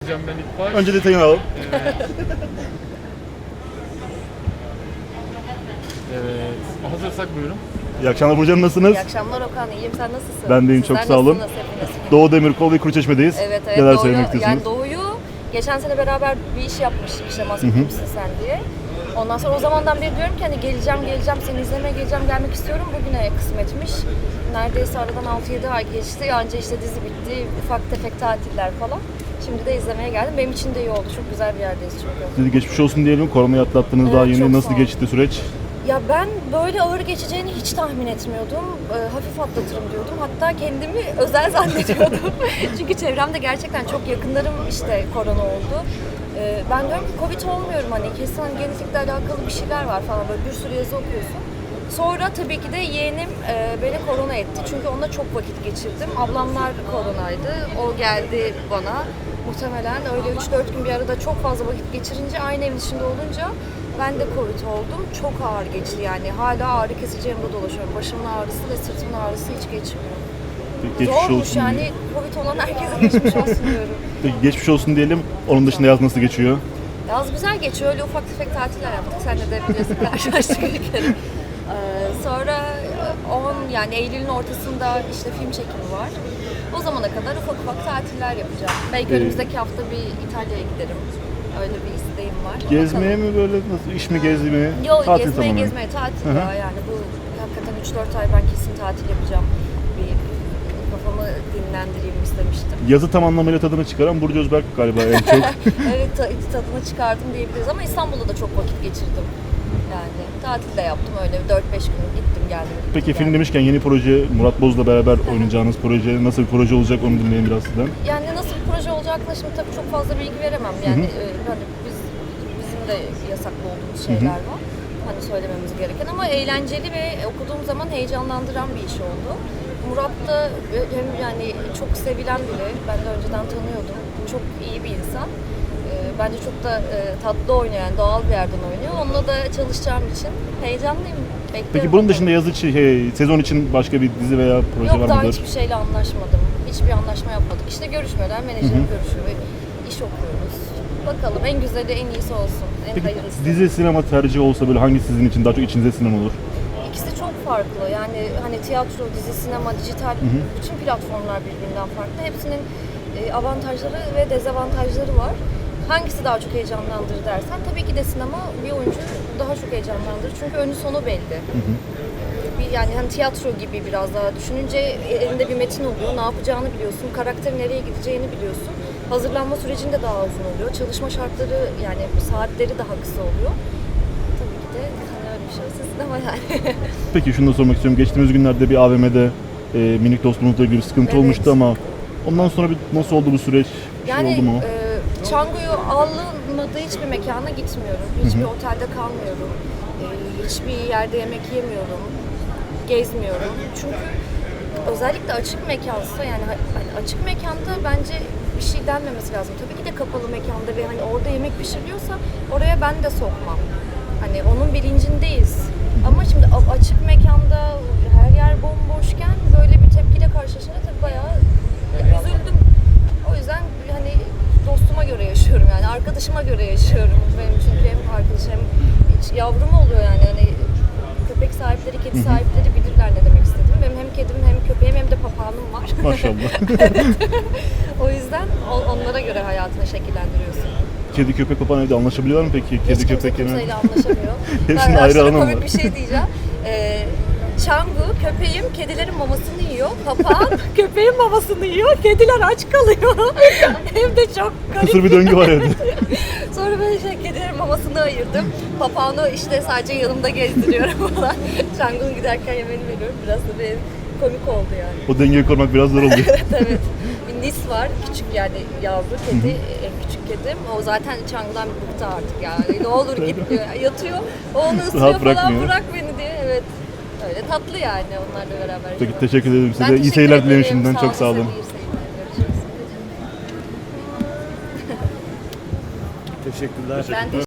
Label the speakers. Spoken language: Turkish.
Speaker 1: soracağım ben ilk baş.
Speaker 2: Önce detayını alalım.
Speaker 1: Evet. Evet. Hazırsak buyurun.
Speaker 2: İyi akşamlar Burcu Hanım, nasılsınız?
Speaker 3: İyi akşamlar Okan, iyiyim. Sen nasılsın?
Speaker 2: Ben de iyiyim, çok
Speaker 3: Sizler
Speaker 2: sağ olun.
Speaker 3: nasılsınız hepiniz?
Speaker 2: Doğu Demirkol ve Kuruçeşme'deyiz.
Speaker 3: Evet,
Speaker 2: Neler
Speaker 3: Doğu'yu,
Speaker 2: söylemek istiyorsunuz?
Speaker 3: yani Doğu'yu geçen sene beraber bir iş yapmıştık işte Maske Kimsin Sen diye. Ondan sonra o zamandan beri diyorum ki hani geleceğim, seni izlemeye geleceğim, gelmek istiyorum. Bugüne kısmetmiş. Neredeyse aradan 6-7 ay geçti. Anca işte dizi bitti, ufak tefek tatiller falan. Şimdi de izlemeye geldim. Benim için de iyi oldu. Çok güzel bir yerdeyiz çünkü.
Speaker 2: Sizi geçmiş olsun diyelim. Koronayı atlattınız,
Speaker 3: Evet,
Speaker 2: daha
Speaker 3: çok
Speaker 2: yeni.
Speaker 3: sağ
Speaker 2: Nasıl
Speaker 3: olun.
Speaker 2: geçti süreç?
Speaker 3: Ya ben böyle ağır geçeceğini hiç tahmin etmiyordum. Hafif atlatırım diyordum. Hatta kendimi özel zannediyordum. Çünkü çevremde gerçekten çok yakınlarım işte korona oldu. Ben diyorum ki Covid olmuyorum, hani kesin hani genetikle alakalı bir şeyler var falan, böyle bir sürü yazı okuyorsun. Sonra tabii ki de yeğenim beni korona etti. Çünkü onunla çok vakit geçirdim. Ablamlar koronaydı. O geldi bana. Muhtemelen öyle 3-4 gün bir arada çok fazla vakit geçirince, aynı evin içinde olunca ben de Covid oldum. Çok ağır geçti yani. Hala ağrı kesici yanında dolaşıyorum. Başımın ağrısı ve sırtımın ağrısı hiç geçmiyor.
Speaker 2: Geçmiş
Speaker 3: Zormuş
Speaker 2: olsun
Speaker 3: yani.
Speaker 2: diyelim.
Speaker 3: Covid olan herkese geçmiş olsun diyorum.
Speaker 2: Peki geçmiş olsun diyelim. Onun dışında yaz nasıl geçiyor?
Speaker 3: Yaz güzel geçiyor. Öyle ufak tefek tatiller yaptık. Seninle de biliyorsun, karşılaştık bir kere. Sonra yani Eylül'ün ortasında işte film çekimi var. O zamana kadar ufak ufak tatiller yapacağım. Belki önümüzdeki hafta bir İtalya'ya giderim. Öyle bir isteğim var.
Speaker 2: Gezmeye mi böyle, nasıl, iş mi, gezi mi?
Speaker 3: Yok,
Speaker 2: Tatil tamamen.
Speaker 3: gezmeye tatil
Speaker 2: Hı hı.
Speaker 3: ya, yani bu hakikaten 3-4 ay ben kesin tatil yapacağım. Bir kafamı dinlendireyim istemiştim.
Speaker 2: Yazı tam anlamıyla tadını çıkaran Burcu Özberk galiba en çok.
Speaker 3: Evet, tadını çıkardım diyebiliriz ama İstanbul'da da çok vakit geçirdim. Yani tatil de yaptım, öyle 4-5 gün gittim geldim.
Speaker 2: Peki film demişken yeni proje, Murat Boz'la beraber oynayacağınız proje nasıl bir proje olacak, onu dinleyin biraz sizden.
Speaker 3: Yani nasıl bir proje olacakla şimdi tabii çok fazla bilgi veremem. Yani hani bizim de yasaklı olduğumuz şeyler var. Hani söylememiz gereken, ama eğlenceli ve okuduğum zaman heyecanlandıran bir iş oldu. Murat da hem yani çok sevilen biri. Ben de önceden tanıyordum. Çok iyi bir insan. Bence çok da tatlı oynayan, doğal bir yerden oynuyor. Onunla da çalışacağım için heyecanlıyım. Bekliyorum.
Speaker 2: Peki bunun dışında yazı için, sezon için başka bir dizi veya proje
Speaker 3: Yok,
Speaker 2: var
Speaker 3: daha
Speaker 2: mıdır?
Speaker 3: hiçbir şeyle anlaşmadım. Hiçbir anlaşma yapmadık. İşte görüşmeler, menajerim görüşüyor, iş okuyoruz. Bakalım, en güzeli, en iyisi olsun, en
Speaker 2: Peki
Speaker 3: hayırlısı.
Speaker 2: dizi, sinema tercihi olsa böyle hangi sizin için daha çok içinize sinen olur?
Speaker 3: İkisi çok farklı. Yani hani tiyatro, dizi, sinema, dijital, bütün platformlar birbirinden farklı. Hepsinin avantajları ve dezavantajları var. Hangisi daha çok heyecanlandırır dersen, tabii ki de sinema bir oyuncu daha çok heyecanlandırır. Çünkü önü sonu belli. Yani hani tiyatro gibi biraz daha düşününce elinde bir metin oluyor, ne yapacağını biliyorsun, karakter nereye gideceğini biliyorsun. Hazırlanma sürecinde daha uzun oluyor, çalışma şartları yani saatleri daha kısa oluyor. Tabii ki de hani öyle bir şeyse sinema yani.
Speaker 2: Peki şunu da sormak istiyorum. Geçtiğimiz günlerde bir AVM'de minik dostumuzla ilgili sıkıntı
Speaker 3: Evet.
Speaker 2: olmuştu ama ondan sonra nasıl oldu bu süreç? Bir şey oldu mu?
Speaker 3: Çango'yu alınmadığı hiçbir mekana gitmiyorum. Hiçbir otelde kalmıyorum. Hiçbir yerde yemek yemiyorum. Gezmiyorum. Çünkü özellikle açık mekansa, yani hani açık mekanda bence bir şey denmemesi lazım. Tabii ki de kapalı mekanda ve hani orada yemek pişiriliyorsa oraya ben de sokmam. Hani onun bilincindeyiz. Ama şimdi açık mekanda her yer bomboşken böyle bir tepkiyle karşılaşınca tabii bayağı üzüldüm. O yüzden hani dostuma göre yaşıyorum, yani arkadaşıma göre yaşıyorum. Benim çünkü hem arkadaşım hem hiç yavrum oluyor, yani hani köpek sahipleri, kedi sahipleri bilirler ne demek istediğimi. Benim hem kedim hem köpeğim hem de papağanım var.
Speaker 2: Maşallah.
Speaker 3: O yüzden onlara göre hayatını şekillendiriyorsun.
Speaker 2: Kedi, köpek, papağan evde anlaşabiliyorlar mı peki? Kedi,
Speaker 3: Hiç kimse
Speaker 2: köpek
Speaker 3: kimseyle anlaşamıyor.
Speaker 2: Hepsinin
Speaker 3: Ben
Speaker 2: ayrı
Speaker 3: aşırı
Speaker 2: alanı
Speaker 3: komik
Speaker 2: var.
Speaker 3: bir şey diyeceğim. Çangu, köpeğim kedilerin mamasını yiyor. Papağan köpeğin mamasını yiyor. Kediler aç kalıyor. Hem de çok garip.
Speaker 2: Kısır bir döngü var evde.
Speaker 3: Sonra ben kedilerin mamasını ayırdım. Papağanı işte sadece yanımda gezdiriyorum falan. Çangu'nun giderken yemeğini veriyorum. Biraz da bir komik oldu yani.
Speaker 2: O dengeyi korumak biraz zor oluyor.
Speaker 3: Evet. Bir Nis var, küçük yani yavru kedi, en küçük kedim. O zaten Çangu'dan bir bıktı artık yani. Ne olur git diyor. Yatıyor, o onu ısırıyor
Speaker 2: Rahat
Speaker 3: falan,
Speaker 2: bırakmıyor.
Speaker 3: bırak beni diye. Evet. Öyle tatlı yani onlarla beraber.
Speaker 2: Peki teşekkür ederim size.
Speaker 3: Ben
Speaker 2: İyi
Speaker 3: teşekkür
Speaker 2: seyirler dilerim
Speaker 3: ederim.
Speaker 2: şimdiden. Çok sağ olun.
Speaker 3: İyi seyirler. Görüşürüz.
Speaker 4: Teşekkürler.
Speaker 3: Ben